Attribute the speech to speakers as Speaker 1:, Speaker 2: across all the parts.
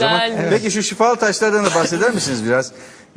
Speaker 1: zaman.
Speaker 2: Güzelmiş.
Speaker 1: Peki şu şifalı taşlardan da bahseder misiniz biraz?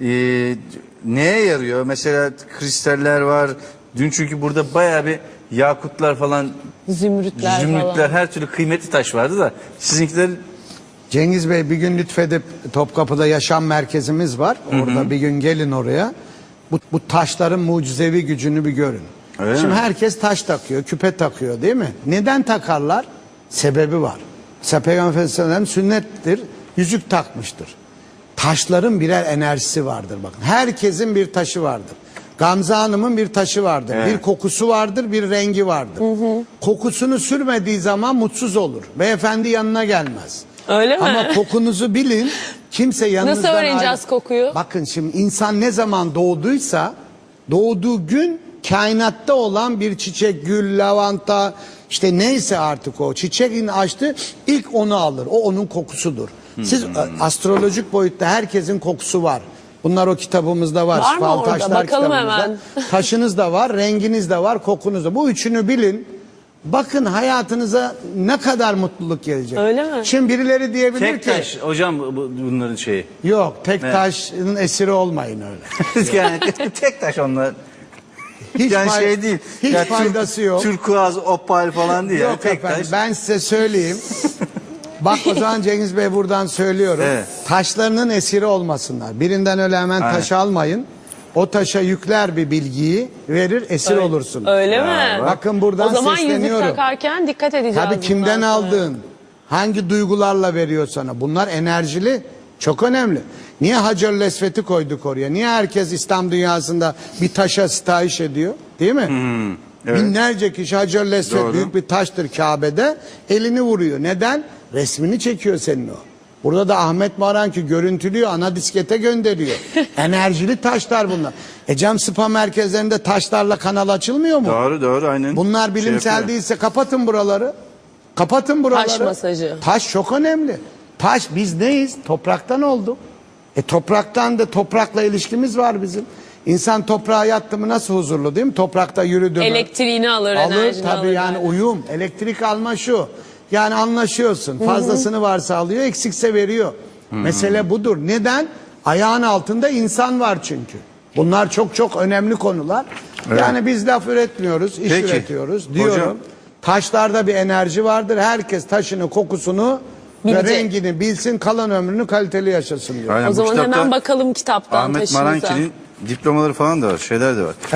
Speaker 1: Neye yarıyor? Mesela kristaller var. Dün çünkü burada bayağı bir yakutlar falan,
Speaker 2: Zümrütler
Speaker 1: zümrütler,
Speaker 2: falan.
Speaker 1: her türlü kıymetli taş vardı da sizinkiler
Speaker 3: Cengiz Bey bir gün lütfedip Topkapı'da yaşam merkezimiz var. Orada bir gün gelin oraya. Bu taşların mucizevi gücünü bir görün.
Speaker 1: Öyle
Speaker 3: Şimdi
Speaker 1: mi?
Speaker 3: herkes taş takıyor, küpe takıyor değil mi? Neden takarlar? Sebebi var. Mesela Peygamber Efendimiz sünnettir, yüzük takmıştır. Taşların birer enerjisi vardır bakın. Herkesin bir taşı vardır. Gamze Hanım'ın bir taşı vardır.
Speaker 1: Evet.
Speaker 3: Bir kokusu vardır, bir rengi vardır. Kokusunu sürmediği zaman mutsuz olur. Beyefendi yanına gelmez.
Speaker 2: Öyle mi?
Speaker 3: Ama kokunuzu bilin. Kimse yanınızdan
Speaker 2: Nasıl öğreneceğiz kokuyu?
Speaker 3: Bakın şimdi insan ne zaman doğduysa doğduğu gün kainatta olan bir çiçek, gül, lavanta işte neyse artık o çiçeğin açtı ilk onu alır. O onun kokusudur. Siz astrolojik boyutta herkesin kokusu var. Bunlar o kitabımızda var.
Speaker 2: Var mı
Speaker 3: Şifalı
Speaker 2: orada?
Speaker 3: Taşlar
Speaker 2: Bakalım
Speaker 3: kitabımızda.
Speaker 2: hemen.
Speaker 3: Taşınız da var, renginiz de var, kokunuz da. Bu üçünü bilin. Bakın hayatınıza ne kadar mutluluk gelecek.
Speaker 2: Öyle mi?
Speaker 3: Şimdi birileri diyebilir
Speaker 1: tek
Speaker 3: ki
Speaker 1: taş hocam bunların şeyi.
Speaker 3: yok tek taşın esiri olmayın öyle.
Speaker 1: Yani tek taş onlar.
Speaker 3: Hiç
Speaker 1: Yani
Speaker 3: fay-
Speaker 1: şey değil.
Speaker 3: hiç
Speaker 1: Yani
Speaker 3: faydası yok.
Speaker 1: Turkuaz, opal falan değil.
Speaker 3: Yok
Speaker 1: Yani tek
Speaker 3: efendim
Speaker 1: taş.
Speaker 3: ben size söyleyeyim. Bak o zaman Cengiz Bey buradan söylüyorum.
Speaker 1: Evet.
Speaker 3: Taşlarının esiri olmasınlar. Birinden öyle hemen
Speaker 1: Aynen.
Speaker 3: taşı almayın. O taşa yükler bir bilgiyi verir esir olursun.
Speaker 2: Öyle mi?
Speaker 3: Bakın buradan
Speaker 2: O zaman yüzük
Speaker 3: sesleniyorum.
Speaker 2: takarken dikkat edeceğiz.
Speaker 3: Tabii kimden
Speaker 2: bundan sonra.
Speaker 3: aldığın, hangi duygularla veriyor sana. Bunlar enerjili, çok önemli. Niye Hacer-ül Esved'i koyduk oraya? Niye herkes İslam dünyasında bir taşa sitayiş ediyor? Değil mi?
Speaker 1: evet.
Speaker 3: Binlerce kişi Hacer-ül Esved
Speaker 1: Doğru.
Speaker 3: büyük bir taştır Kabe'de. Elini vuruyor. Neden? Resmini çekiyor senin o. Burada da Ahmet Maranki görüntülüyor, ana diskete gönderiyor. Enerjili taşlar bunlar. Cam spa merkezlerinde taşlarla kanal açılmıyor mu?
Speaker 1: Doğru doğru aynen.
Speaker 3: Bunlar bilimsel
Speaker 1: yapıyor.
Speaker 3: değilse kapatın buraları. Kapatın buraları.
Speaker 2: Taş masajı.
Speaker 3: Taş çok önemli. Taş biz neyiz? Topraktan olduk. Topraktan da toprakla ilişkimiz var bizim. İnsan toprağa yattı mı nasıl huzurlu değil mi? Toprakta yürüdü mü?
Speaker 2: Elektriğini alır,
Speaker 3: Alır
Speaker 2: enerjini
Speaker 3: tabii
Speaker 2: alır.
Speaker 3: yani uyum. Elektrik alma şu. Yani anlaşıyorsun. Fazlasını varsa alıyor, eksikse veriyor. Mesele budur. Neden? Ayağın altında insan var çünkü. Bunlar çok çok önemli konular.
Speaker 1: Evet.
Speaker 3: Yani biz laf üretmiyoruz, iş
Speaker 1: Peki.
Speaker 3: üretiyoruz diyorum.
Speaker 1: Hocam.
Speaker 3: Taşlarda bir enerji vardır. Herkes taşını, kokusunu ve
Speaker 2: Bilecek.
Speaker 3: rengini bilsin, kalan ömrünü kaliteli yaşasın diyor.
Speaker 1: Aynen,
Speaker 2: O
Speaker 1: bu
Speaker 2: zaman
Speaker 1: kitapta
Speaker 2: hemen bakalım kitaptan
Speaker 1: Ahmet
Speaker 2: taşınıza.
Speaker 1: Maranki'nin diplomaları falan da var, şeyler de var.